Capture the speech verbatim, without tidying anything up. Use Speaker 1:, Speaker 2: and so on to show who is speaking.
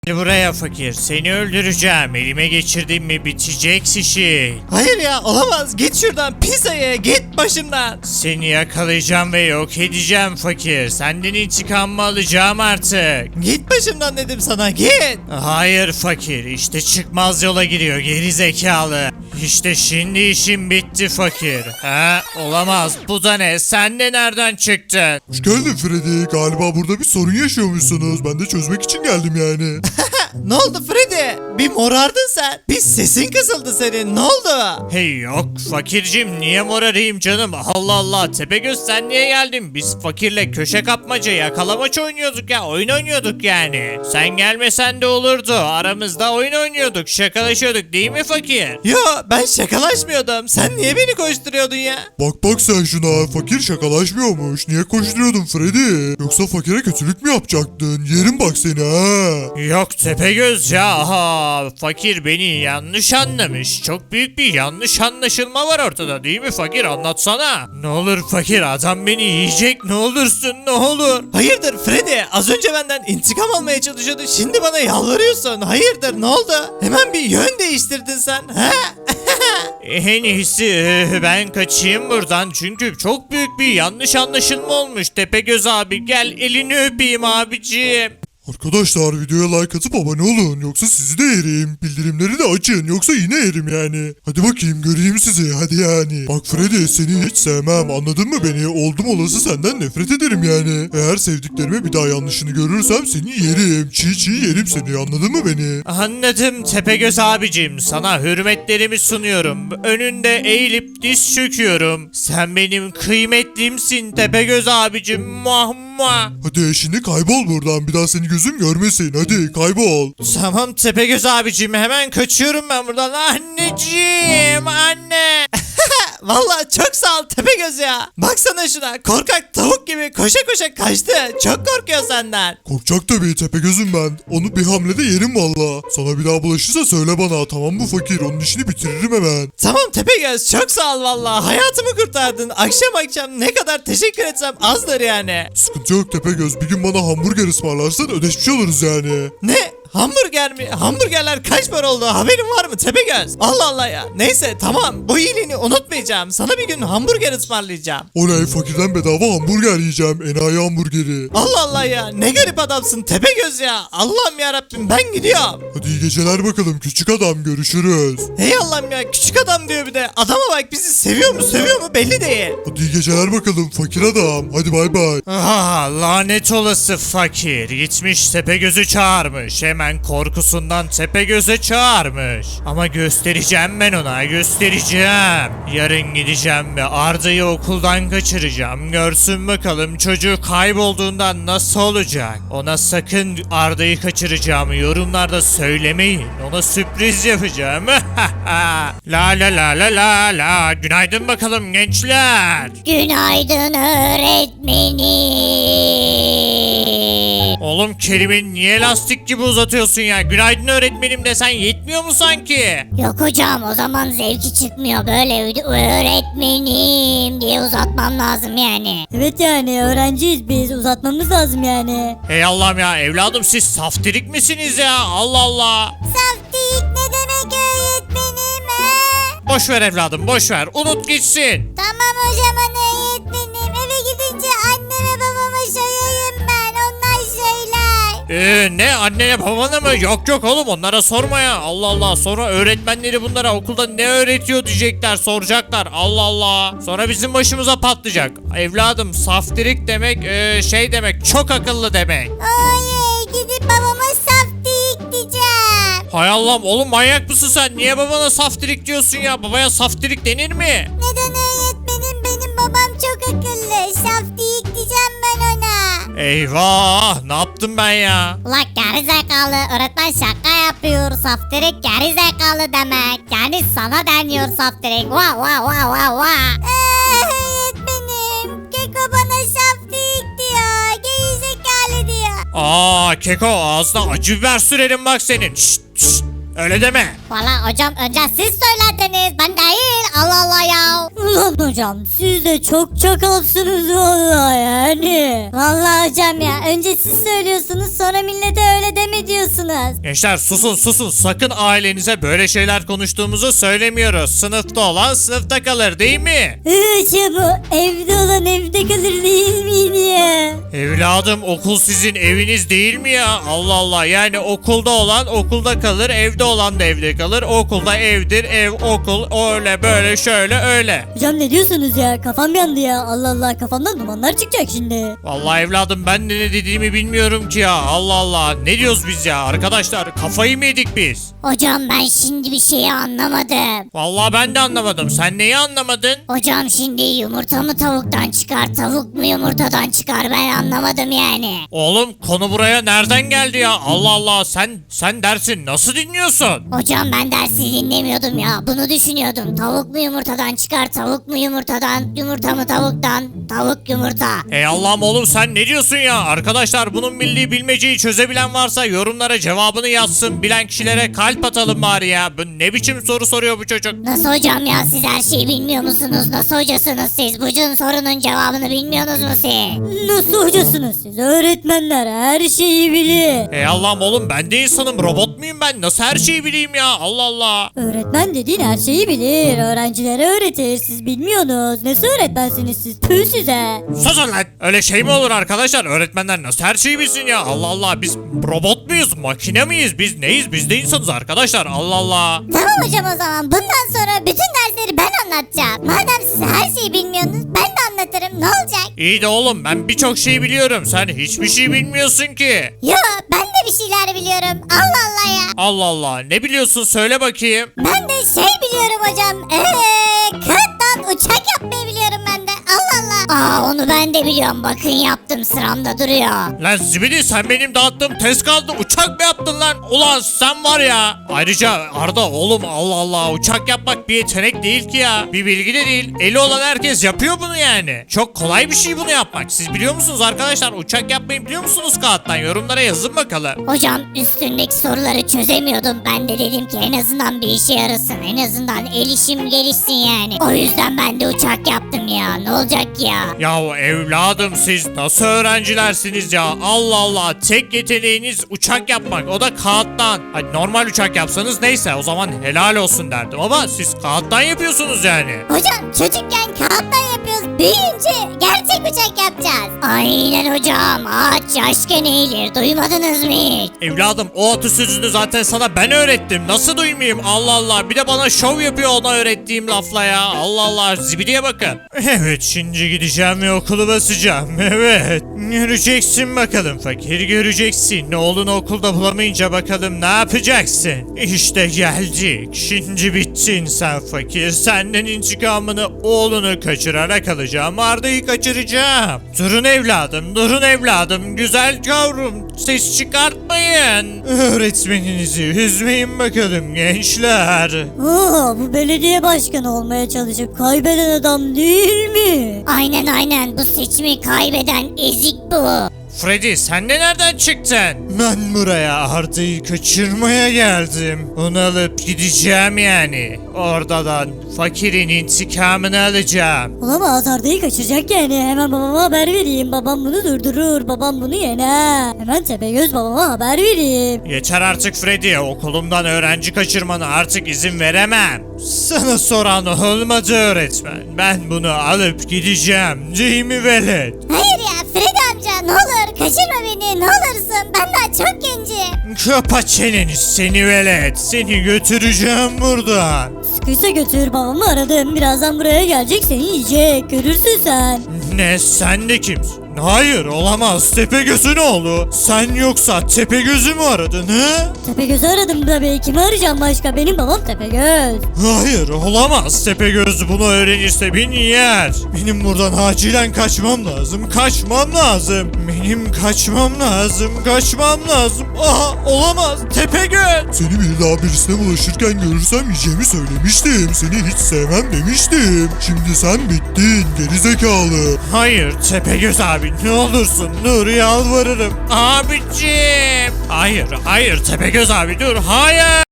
Speaker 1: Gel buraya fakir, seni öldüreceğim. Elime geçirdim mi bitecek işin.
Speaker 2: Hayır ya, olamaz, git şuradan pis ayı, git başımdan.
Speaker 1: Seni yakalayacağım ve yok edeceğim fakir. Senden intikamımı alacağım artık.
Speaker 2: Git başımdan dedim sana, git.
Speaker 1: Hayır fakir, işte çıkmaz yola giriyor geri zekalı. İşte şimdi işim bitti fakir. Ha, olamaz, bu da ne? Sen de nereden çıktın?
Speaker 3: Hoş geldin Freddy. Galiba burada bir sorun yaşıyormuşsunuz. Ben de çözmek için geldim yani.
Speaker 2: Ne oldu Freddy? Bir morardın sen. Bir sesin kısıldı senin, ne oldu?
Speaker 1: Hey yok fakircim, niye morarayım canım? Allah Allah, Tepegöz sen niye geldin? Biz fakirle köşe kapmaca yakalamaç oynuyorduk ya, oyun oynuyorduk yani. Sen gelmesen de olurdu, aramızda oyun oynuyorduk, şakalaşıyorduk değil mi fakir?
Speaker 2: Yo, ben şakalaşmıyordum. Sen niye beni koşturuyordun ya?
Speaker 3: Bak bak sen şuna. Fakir şakalaşmıyormuş. Niye koşturuyordun Freddy? Yoksa fakire kötülük mü yapacaktın? Yerim bak seni ha.
Speaker 1: Yok Tepegöz ya, aha, fakir beni yanlış anlamış. Çok büyük bir yanlış anlaşılma var ortada değil mi fakir, anlatsana. Ne olur fakir, adam beni yiyecek, ne olursun ne olur.
Speaker 2: Hayırdır Freddy? Az önce benden intikam almaya çalışıyordun. Şimdi bana yalvarıyorsun. Hayırdır, ne oldu? Hemen bir yön değiştirdin sen. He?
Speaker 1: En iyisi eh, ben kaçayım buradan çünkü çok büyük bir yanlış anlaşılma olmuş. Tepegöz abi gel elini öpeyim abiciğim.
Speaker 3: Arkadaşlar videoya like atıp abone olun. Yoksa sizi de yerim. Bildirimleri de açın. Yoksa yine yerim yani. Hadi bakayım göreyim sizi. Hadi yani. Bak Freddy seni hiç sevmem. Anladın mı beni? Oldum olası senden nefret ederim yani. Eğer sevdiklerime bir daha yanlışını görürsem seni yerim. Çiğ çiğ yerim seni. Anladın mı beni?
Speaker 1: Anladım Tepegöz abicim, sana hürmetlerimi sunuyorum. Önünde eğilip diz çöküyorum. Sen benim kıymetlimsin Tepegöz abicim. Muah muah.
Speaker 3: Hadi şimdi kaybol buradan. Bir daha seni gözüm görmesin. Hadi kaybol.
Speaker 1: Tamam Tepegöz abicim, hemen kaçıyorum ben buradan. Anneciğim, anne.
Speaker 2: Vallahi çok sağ ol Tepegöz ya. Baksana şuna, korkak tavuk gibi koşa koşa kaçtı. Çok korkuyor senden.
Speaker 3: Korkacak tabii Tepegöz'üm ben. Onu bir hamlede yerim valla. Sana bir daha bulaşırsa söyle bana, tamam mı fakir? Onun işini bitiririm hemen.
Speaker 2: Tamam Tepegöz, çok sağ ol vallahi. Hayatımı kurtardın. Akşam akşam ne kadar teşekkür etsem azdır yani.
Speaker 3: Sıkıntı yok Tepegöz. Bir gün bana hamburger ısmarlarsan ödeşmiş oluruz yani.
Speaker 2: Ne? Hamburger mi? Hamburgerler kaç para oldu? Haberin var mı Tepegöz? Allah Allah ya. Neyse tamam, bu iyiliğini unutmayacağım. Sana bir gün hamburger ısmarlayacağım.
Speaker 3: Oley, fakirden bedava hamburger yiyeceğim. Enayi hamburgeri.
Speaker 2: Allah Allah ya. Ne garip adamsın Tepegöz ya. Allah'ım yarabbim, ben gidiyorum.
Speaker 3: Hadi iyi geceler bakalım küçük adam, görüşürüz.
Speaker 2: Hey Allah'ım ya, küçük adam diyor bir de. Adama bak, bizi seviyor mu seviyor mu belli değil.
Speaker 3: Hadi iyi geceler bakalım fakir adam. Hadi bay bay.
Speaker 1: Aha, lanet olası fakir. Gitmiş Tepegöz'ü çağırmış. Hemen korkusundan Tepegöz'e çağırmış. Ama göstereceğim ben ona, göstereceğim. Yarın gideceğim ve Arda'yı okuldan kaçıracağım. Görsün bakalım çocuğu kaybolduğundan nasıl olacak. Ona sakın Arda'yı kaçıracağımı yorumlarda söylemeyin. Ona sürpriz yapacağım. La la la la la la. Günaydın bakalım gençler.
Speaker 4: Günaydın öğretmenim.
Speaker 1: Oğlum kelimeyi niye lastik gibi uzatıyorsun ya? Günaydın öğretmenim desen yetmiyor mu sanki?
Speaker 4: Yok hocam, o zaman zevki çıkmıyor, böyle öğretmenim diye uzatmam lazım yani.
Speaker 5: Evet yani öğrenciyiz biz, uzatmamız lazım yani.
Speaker 1: Hey Allah'ım ya, evladım siz saftirik misiniz ya? Allah Allah.
Speaker 4: Saftik ne demek öğretmenim he?
Speaker 1: Boş ver evladım, boş ver. Unut gitsin.
Speaker 4: Tamam hocam öğretmenim, eve gidince anneme babama söyleyeyim ben, onlar söyler.
Speaker 1: Ee, ne annene babana mı? Yok yok oğlum, onlara sorma ya. Allah Allah, sonra öğretmenleri bunlara okulda ne öğretiyor diyecekler, soracaklar. Allah Allah. Sonra bizim başımıza patlayacak. Evladım saftirik demek ee, şey demek, çok akıllı demek.
Speaker 4: Oy, gidip babama saftik diyeceğim.
Speaker 1: Hay Allah'ım, oğlum manyak mısın sen? Niye babana saftirik diyorsun ya? Babaya saftirik denir mi?
Speaker 4: Neden öğretmenim, benim babam çok akıllı, saftik diyeceğim ben ona.
Speaker 1: Eyvah, ne yaptım ben ya?
Speaker 4: Ulan gerizekalı, öğretmen şaka yapıyor, saftirik gerizekalı demek. Yani sana deniyor saftirik. Vah vah vah vah vah. Öğretmenim, Keko bana saftirik diyor, gerizekalı diyor.
Speaker 1: Aa Keko, ağzına acı biber sürerim bak senin. Şşt, şşt, öyle deme.
Speaker 4: Valla hocam, önce siz söylediniz, ben değil. Allah Allah ya.
Speaker 5: Ulan hocam siz de çok çakalsınız vallahi yani. Vallahi hocam ya önce siz söylüyorsunuz sonra millete öyle deme diyorsunuz.
Speaker 1: Gençler susun susun, sakın ailenize böyle şeyler konuştuğumuzu söylemiyoruz. Sınıfta olan sınıfta kalır değil mi?
Speaker 5: Hocam o evde olan evde kalır değil miydi ya?
Speaker 1: Evladım okul sizin eviniz değil mi ya? Allah Allah, yani okulda olan okulda kalır, evde olan da evde kalır. Okulda evdir, ev okul, öyle böyle şöyle öyle.
Speaker 5: Hocam ne diyorsunuz ya kafam yandı ya Allah Allah kafamdan dumanlar çıkacak şimdi.
Speaker 1: Vallahi evladım ben de ne dediğimi bilmiyorum ki ya. Allah Allah, ne diyoruz biz ya arkadaşlar, kafayı mı yedik biz?
Speaker 4: Hocam ben şimdi bir şeyi anlamadım.
Speaker 1: Vallahi ben de anlamadım, sen neyi anlamadın?
Speaker 4: Hocam şimdi yumurta mı tavuktan çıkar, tavuk mu yumurtadan çıkar, ben anlamadım yani.
Speaker 1: Oğlum konu buraya nereden geldi ya? Allah Allah, sen sen dersin nasıl dinliyorsun?
Speaker 4: Hocam ben dersi dinlemiyordum ya, bunu düşünüyordum. Tavuk mu yumurtadan çıkar, tavuk mu yumurtadan, yumurta mı tavuktan, tavuk yumurta.
Speaker 1: Ey Allah'ım oğlum, sen ne diyorsun ya? Arkadaşlar bunun milli bilmeceyi çözebilen varsa yorumlara cevabını yazsın. Bilen kişilere kalp atalım bari ya. Bu ne biçim soru soruyor bu çocuk?
Speaker 4: Nasıl hocam ya, siz her şeyi bilmiyor musunuz? Nasıl hocasınız siz? Bu sorunun cevabını bilmiyorsunuz mu siz?
Speaker 5: Nasıl hocasınız siz öğretmenler her şeyi bilir.
Speaker 1: Ey Allah'ım oğlum, ben de insanım, robot muyum ben? Nasıl her şeyi bileyim ya? Allah Allah.
Speaker 5: Öğretmen dediğin her şeyi bilir öğrencilere öğretir siz bilmiyorsunuz. Nasıl öğretmensiniz siz tüh size.
Speaker 1: Susun lan. Öyle şey mi olur arkadaşlar? Öğretmenler nasıl her şeyi bilsin ya? Allah Allah, biz robot muyuz? Makine miyiz? Biz neyiz? Biz de insanız arkadaşlar. Allah Allah.
Speaker 4: Tamam hocam, o zaman bundan sonra bütün dersleri ben anlatacağım. Madem siz her şeyi bilmiyorsunuz, ben de anlatırım, ne olacak?
Speaker 1: İyi de oğlum, ben birçok şey biliyorum. Sen hiçbir şey bilmiyorsun ki.
Speaker 4: Yo, ben de bir şeyler biliyorum. Allah Allah ya.
Speaker 1: Allah Allah. Ne biliyorsun? Söyle bakayım.
Speaker 4: Ben de şey biliyorum hocam. Eee kağıttan uçak yapmayı biliyorum ben de. Allah Allah. Aa, onu ben de biliyorum. Bakın yaptım, sıramda duruyor.
Speaker 1: Lan zibidi, sen benim dağıttığım test kağıdını uçak mı yaptın lan? Ulan sen var ya. Ayrıca Arda oğlum, Allah Allah, uçak yapmak bir yetenek değil ki ya. Bir bilgi de değil. Eli olan herkes yapıyor bunu yani. Çok kolay bir şey bunu yapmak. Siz biliyor musunuz arkadaşlar? Uçak yapmayı biliyor musunuz kağıttan? Yorumlara yazın bakalım.
Speaker 4: Hocam üstündeki soruları çözemiyordum. Ben de dedim ki en azından bir işe yarasın. En azından el işim gelişsin yani. O yüzden ben de uçak yaptım ya. Ne olacak ki ya?
Speaker 1: Ya evladım, siz nasıl öğrencilersiniz ya? Allah Allah, tek yeteneğiniz uçak yapmak, o da kağıttan. Hani normal uçak yapsanız neyse, o zaman helal olsun derdim, ama siz kağıttan yapıyorsunuz yani.
Speaker 4: Hocam çocukken kağıttan yapıyoruz. Büyüyünce gerçek uçak yapacağız. Aynen hocam. Ağaç yaşken eğilir. Duymadınız mı hiç?
Speaker 1: Evladım, o atasözünü zaten sana ben öğrettim, nasıl duymayayım? Allah Allah, bir de bana şov yapıyor ona öğrettiğim lafla ya. Allah Allah, zibidiye bakın. Evet, şimdi gideceğim ve okulu basacağım. Evet, göreceksin bakalım fakir, göreceksin. Oğlunu okulda bulamayınca bakalım ne yapacaksın? İşte geldik. Şimdi bittin sen fakir. Senden intikamını oğlunu kaçırarak alacağım. Arda'yı kaçıracağım. Durun evladım, durun evladım. Güzel yavrum, ses çıkartmayın. Öğretmeninizi üzmeyin bakalım gençler.
Speaker 5: Aa, bu belediye başkanı olmaya çalışıp kaybeden adam değil mi?
Speaker 4: Aynen aynen. Bu seçimi kaybeden ezik bu.
Speaker 1: Freddy, sen de nereden çıktın? Ben buraya Arda'yı kaçırmaya geldim. Onu alıp gideceğim yani. Oradan fakirin intikamını alacağım.
Speaker 5: Olamaz Arda'yı kaçıracak yani hemen babama haber vereyim babam bunu durdurur babam bunu yener. Hemen Tepegöz babama haber vereyim.
Speaker 1: Yeter artık Freddy, okulumdan öğrenci kaçırmana artık izin veremem. Sana soran olmadı öğretmen. Ben bunu alıp gideceğim, değil mi velet?
Speaker 4: Hayır ya Freddy amca, ne olur kaçırma beni, ne olursun. Ben daha çok gencim.
Speaker 1: Kapa çeneni seni velet. Seni götüreceğim buradan.
Speaker 5: Sıkıysa götür babamı aradım birazdan buraya gelecek seni yiyecek görürsün sen.
Speaker 1: Ne, sen de kimsin? Hayır, olamaz. Tepegöz'ün oğlu. Sen yoksa Tepegöz'ü mü aradın he?
Speaker 5: Tepegöz'ü aradım tabii kimi arayacağım başka benim babam Tepegöz.
Speaker 1: Hayır, olamaz. Tepegöz bunu öğrenirse beni yer. Benim buradan acilen kaçmam lazım. Kaçmam lazım. Benim kaçmam lazım. Kaçmam lazım. Aha, olamaz. Tepegöz.
Speaker 3: Seni bir daha birisine bulaşırken görürsem yiyeceğimi söylemiştim. Seni hiç sevmem demiştim. Şimdi sen bittin gerizekalı.
Speaker 1: Hayır Tepegöz abi, ne olursun dur, yalvarırım. Abicim. Hayır, hayır Tepegöz abi dur. Hayır.